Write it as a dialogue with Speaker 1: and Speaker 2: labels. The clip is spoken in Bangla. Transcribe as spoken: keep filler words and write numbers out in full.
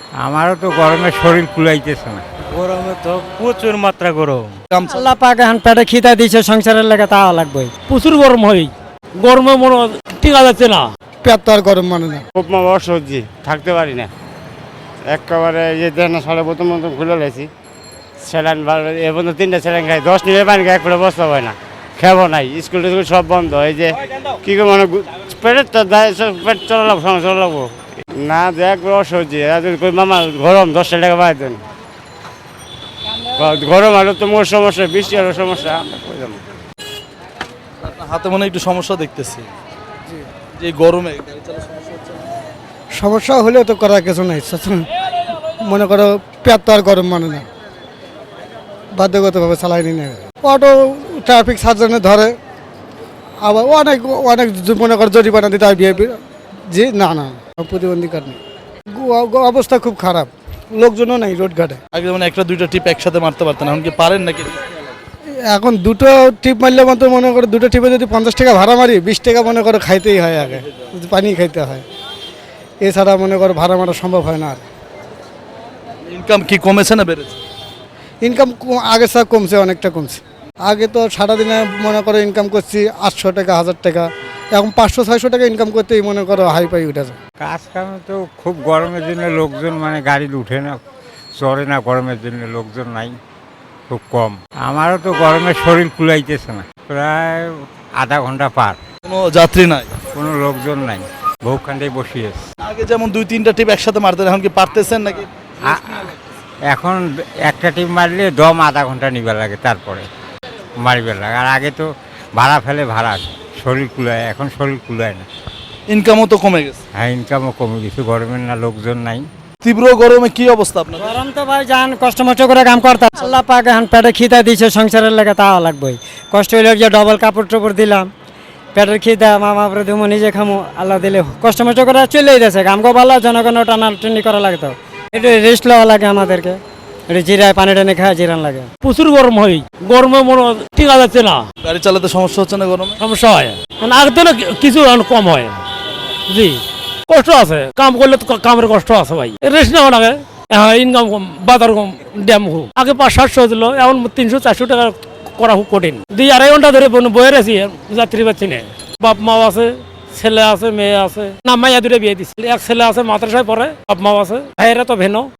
Speaker 1: আমারও তো গরমে শরীর কুলাইতেছে না।
Speaker 2: গরমে তো প্রচুর মাত্রা গরম।
Speaker 3: আল্লাহ পাক এখন পেটে খিদা দিয়েছে, সংসারের লেগে তা লাগবে।
Speaker 4: প্রচুর গরম হয়, গরমে মনে টিকা যাচ্ছে না।
Speaker 3: পেট তো আর গরম মানে না।
Speaker 5: খুব অসহ্যি, থাকতে পারি না একেবারে। এই যে দেন সাড়ে প্রথম মতন খুলে লেছি স্যালাইন, এ পর্যন্ত তিনটা স্যালাইন খাই, দশ নিলে পানি খাই, একবারে বসতে হয় না, খেবো নাই, স্কুল টিস্কুল সব বন্ধ। এই যে কী করে মানে পেটের তো পেট চলা লাগবো, সময় চলা লাগবো না, যে একবার অসহ্যি। মামা গরম দশটা টাকা পাই দেন, গরম আরো তো মোর সমস্যা, বৃষ্টি আরো সমস্যা।
Speaker 6: হাতে মনে হয় একটু সমস্যা দেখতেছি, যে এই গরমে গাড়ি চালানোর সমস্যা হচ্ছে।
Speaker 3: সমস্যা হলেও তো করার কিছু নাই। মনে করো পেট তো আর গরম মানে না, বাধ্যগতভাবে চালাই নি না। অটো ট্রাফিক সার্জনে ধরে, আবার অনেক অনেক মনে করো জরিমানা দিতে হয়। বিএপি জি না না প্রতিবন্ধী নেই, অবস্থা খুব খারাপ, লোকজনও নাই রোডঘাটে।
Speaker 6: আগে যেমন একটা দুইটা টিপ একসাথে মারতে পারতেন, এখন কি পারেন নাকি?
Speaker 3: এখন দুটো টিপ মারলে মতো মনে করো দুটো টিপে যদি পঞ্চাশ টাকা ভাড়া মারি, বিশ টাকা মনে করো খাইতেই হয়, আগে পানি খাইতে হয়, এছাড়া মনে করো ভাড়া মারা সম্ভব হয় না। আর
Speaker 6: ইনকাম কি কমেছে না বেড়েছে?
Speaker 3: ইনকাম আগে সব কমছে, অনেকটা কমছে। আগে তো সারাদিনে মনে করো ইনকাম করছি আটশো টাকা হাজার টাকা, এখন পাঁচশো ছয়শো টাকা ইনকাম করতেই মনে করো হাই পাই উঠেছে।
Speaker 1: কাজ কামে তো খুব গরমের জন্য লোকজন মানে গাড়িতে উঠে না, চড়ে না, গরমের জন্য লোকজন নাই, খুব কম। আমারও তো গরমে শরীর কুলাইতেছে না, প্রায় আধা ঘন্টা পার,
Speaker 6: কোনো যাত্রী নাই,
Speaker 1: কোনো লোকজন নাই, বহুখানটাই বসিয়েছে।
Speaker 6: আগে যেমন দুই তিনটা টিপ একসাথে মারতেন, এখন কি পারতেছেন নাকি?
Speaker 1: আ- এখন একটা টিপ মারলে দম আধা ঘন্টা নিবার লাগে, তারপরে মারিবার লাগে। আর আগে তো ভাড়া ফেলে ভাড়া, শরীর কুলায়, এখন শরীর কুলায় না।
Speaker 6: ইনকামও তো কমে গেছে।
Speaker 1: হ্যাঁ, ইনকামও কমে গেছে, গরমের না লোকজন নাই।
Speaker 6: তীব্র গরমে কি অবস্থা আপনার?
Speaker 3: গরম তো ভাই যান কষ্ট মষ্ট করে কাম করতাম, আল্লাহ পাক এখন পেটে খিদা দিয়েছে, সংসারের লেগে তা লাগবে। কষ্ট হইলে যে ডবল কাপড় টাপড় দিলাম, পেটের খিদা মামা পরে ধুমো, নিজে খামো, আল্লাহ দিলে কষ্ট মষ্ট করে চলেই দিয়েছে। কামকে ভালো, জনগণও টানা টানি করা লাগতো, একটু রেস্ট লওয়া লাগে আমাদেরকে, একটু জিরায় পানি টানি খাওয়া জিরান লাগে।
Speaker 4: প্রচুর গরম হয়, গরমে মনে টিকা যাচ্ছে না।
Speaker 6: গাড়ি চালাতে সমস্যা হচ্ছে না গরমে?
Speaker 4: সমস্যা হয়, মানে আগে তো না কিছু এখন কম হয়। জি কষ্ট আছে, কাম করলে তো কামের কষ্ট আছে ভাই, রেস্ট নেওয়া লাগে। হ্যাঁ, ইনকাম কম, বাজার কম, ড্যাম কম। আগে পাঁচ সাতশো দিল, এখন তিনশো চারশো টাকা করা খুব কঠিন। দুই আড়াই ঘন্টা ধরে বয়ে রেছি, যাত্রী পাচ্ছি না। বাপ মাও আছে, ছেলে আছে, মেয়ে আছে, না মাইয়া দূরে বিয়ে দিচ্ছে। এক ছেলে আছে মাদ্রাসায় পড়ে, বাপ মাও আছে, ভাইয়েরা তো ভেনো।